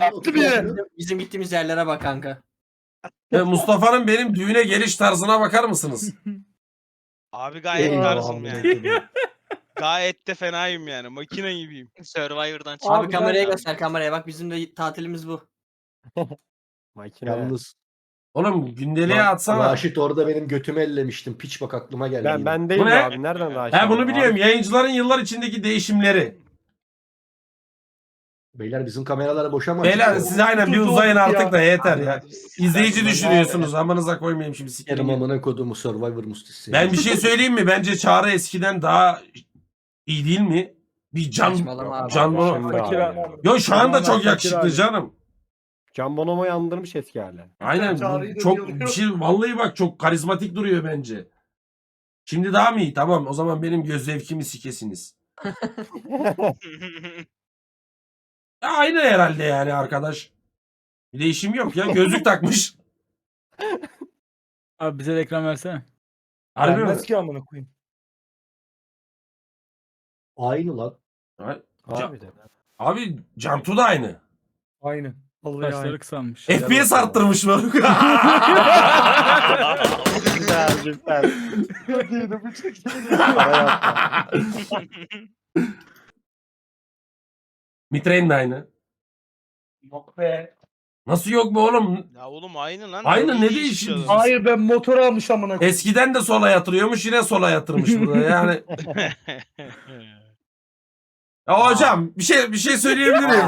Attı bir yere. Bizim gittiğimiz yerlere bak kanka. Mustafa'nın benim düğüne geliş tarzına bakar mısınız? Abi gayet Eyvah. tarzım yani. Gayet de fenayım yani. Makine gibiyim. Survivor'dan çık. Abi kameraya göster kameraya bak bizim de tatilimiz bu. Makine. Yalnız Oğlum gündeliğe atsana. Raşit orada benim götümü ellemiştim. Piç bak aklıma geldi. yine. Ben değilim Bu ne? abi. Nereden daha He bunu biliyorum. Yayıncıların yıllar içindeki değişimleri. Beyler bizim kameralara boşama. Beyler siz aynen bir uzayın artık da yeter ya. İzleyici Ben- düşünüyorsunuz. Amanıza koymayayım şimdi Sikerim sikerim. amına kodumu Survivor mustisi. Ben bir şey söyleyeyim mi? Bence Çağrı eskiden daha iyi değil mi? Bir Saçmalama abi. Can Bono. Şimdi abi. Yo şu anda çok Fakir yakışıklı abi. canım. Can Bonomo'yu andırmış eski hali. Aynen. Çağrı'yı da Çok yalıyor. bir şey vallahi bak çok karizmatik duruyor bence. Şimdi daha mı iyi? Tamam o zaman benim göz zevkimi sikesiniz. Ya aynı herhalde yani arkadaş. Bir değişim yok ya. Gözlük takmış. Abi bize de ekran versene. Harbi mi? Vermez ki amına koyayım. Aynı lan. Abi de. Abi Cantu da aynı. Aynen. Vallahi Saçları kısalmış. FPS arttırmış mı? Güzel güzel. Para yapma. Mitre'nin de aynı. Yok be. Nasıl yok be oğlum? Ya oğlum aynı lan. Aynı, ne İyi değişiyor? işliyorlar. Hayır ben motor almış amına koyayım. Eskiden de sola yatırıyormuş yine sola yatırmış burada yani. Ya hocam bir şey söyleyebilir miyim?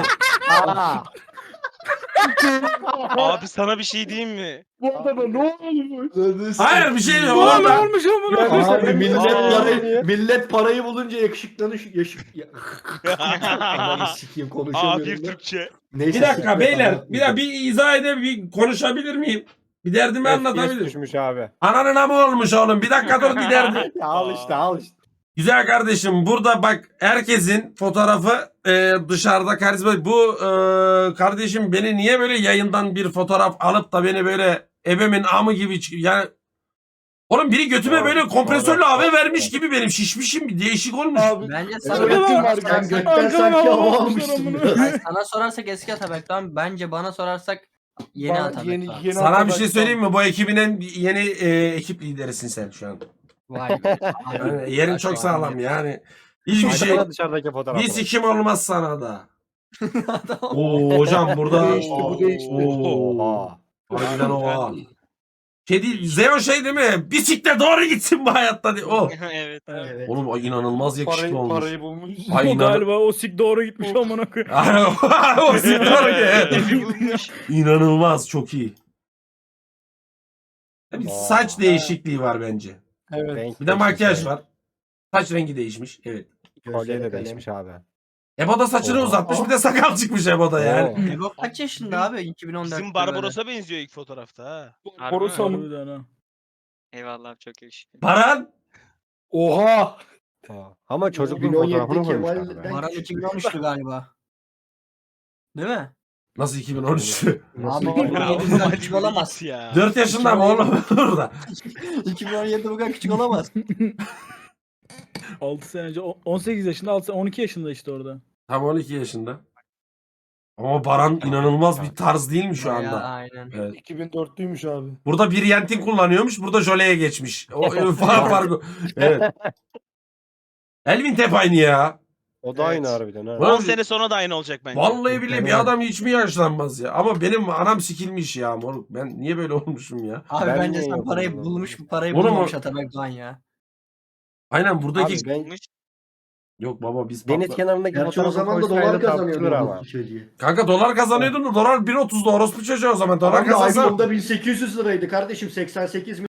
Abi sana bir şey diyeyim mi? Bu adama ne olmuş? Hayır bir şey yok. Ne Orada olmuş amına koyayım? Abi Aa, millet parayı bulunca yakışıklanış Ananı sikeyim A1 konuşamıyorum. da. Türkçe. Neyse, bir dakika siktir beyler anlatmayacağım. bir izah bir konuşabilir miyim? Bir derdimi FPS anlatabilir. düşmüş abi. Ananın amı olmuş oğlum. Bir dakika dur bir derdim. Ya al işte. Güzel kardeşim burada bak herkesin fotoğrafı dışarıda karizma. Bu kardeşim beni niye böyle yayından bir fotoğraf alıp da beni böyle ebemin amı gibi yani oğlum biri götüme Doğru, böyle kompresörlü doğru. hava vermiş gibi benim şişmişim bir değişik olmuş. Abi. Bence Sen sana, Öyle mi var? sen götten Arkadan sanki hava hava almışlar almışsın amına. biraz. Hayır, sana sorarsak eski Atabek'ten bence bana sorarsak yeni Bana Atabek. yeni Sana bir şey söyleyeyim mi? Bu ekibin en yeni ekip liderisin sen şu an. Vay be. Yani yerin çok sağlam yani. Hiçbir şey. Baksana dışarıdaki fotoğrafına. Bir sikim olmaz sana da. Oo hocam burada. değişti, bu değişti. Oha. Harbiden oha. Şey değil, Zeo şey değil mi? Bisiklet doğru gitsin bu hayatta diye. O. Evet. Evet. Oğlum o inanılmaz yakışıklı olmuş. Parayı bulmuş. Ay, O inan- galiba o sik doğru gitmiş amına koyayım. o İnanılmaz çok iyi. Bir saç değişikliği var bence. Evet. Renk Bir de makyaj değişmiş var. Saç rengi değişmiş. Evet. abi. Kolye Gözleri de kalem. değişmiş abi. Ebo da saçını Oha. uzatmış bir de sakal çıkmış Ebo'da yani. Ebo kaç yaşında abi? 2014'te Bizim Barbaros'a benziyor ilk fotoğrafta ha. Borusa mı? Harbiden ha. Eyvallah abi, çok yakışıklı. Baran. Oha. Ama çocuk 2017'de fotoğrafını koymuş Kemal'den- abi. Baran 2013'tü galiba. Değil mi? Nasıl 2013? Abi Nasıl? 2017'den Hadi küçük olamaz. git ya. 4 yaşında mı oğlum burada? 2017'de bu kadar küçük olamaz. 6 sene önce 18 yaşında 12 yaşında işte orada. Tam 12 yaşında. Ama Baran inanılmaz bir tarz değil mi şu Ya, anda? aynen. Evet. 2004'lüymüş abi. Burada bir Yentin kullanıyormuş, burada Jole'ye geçmiş. O farkı. Evet. Elvin Tep aynı ya. O da aynı Evet. harbiden ha. 10 sene sonra da aynı olacak bence. Vallahi bile bir adam hiç mi yaşlanmaz ya? Ama benim anam sikilmiş ya moruk. Ben niye böyle olmuşum ya? Abi Ben bence niye sen yok parayı oğlum? bulmuş bu parayı Oğlum bulmamış o- Atabek Doğan ya. Aynen buradaki... Abi ben Yok baba biz deniz patla... kenarındaki Gerçi o fotoğrafı zaman da koysaydı dolar kazanıyordu tartışılır ama. bu çocuğu. Kanka dolar kazanıyordun da dolar 1.30'da orospu çocuğu o zaman. Dolar Abi kazansan... iPhone'da 1800 liraydı kardeşim 88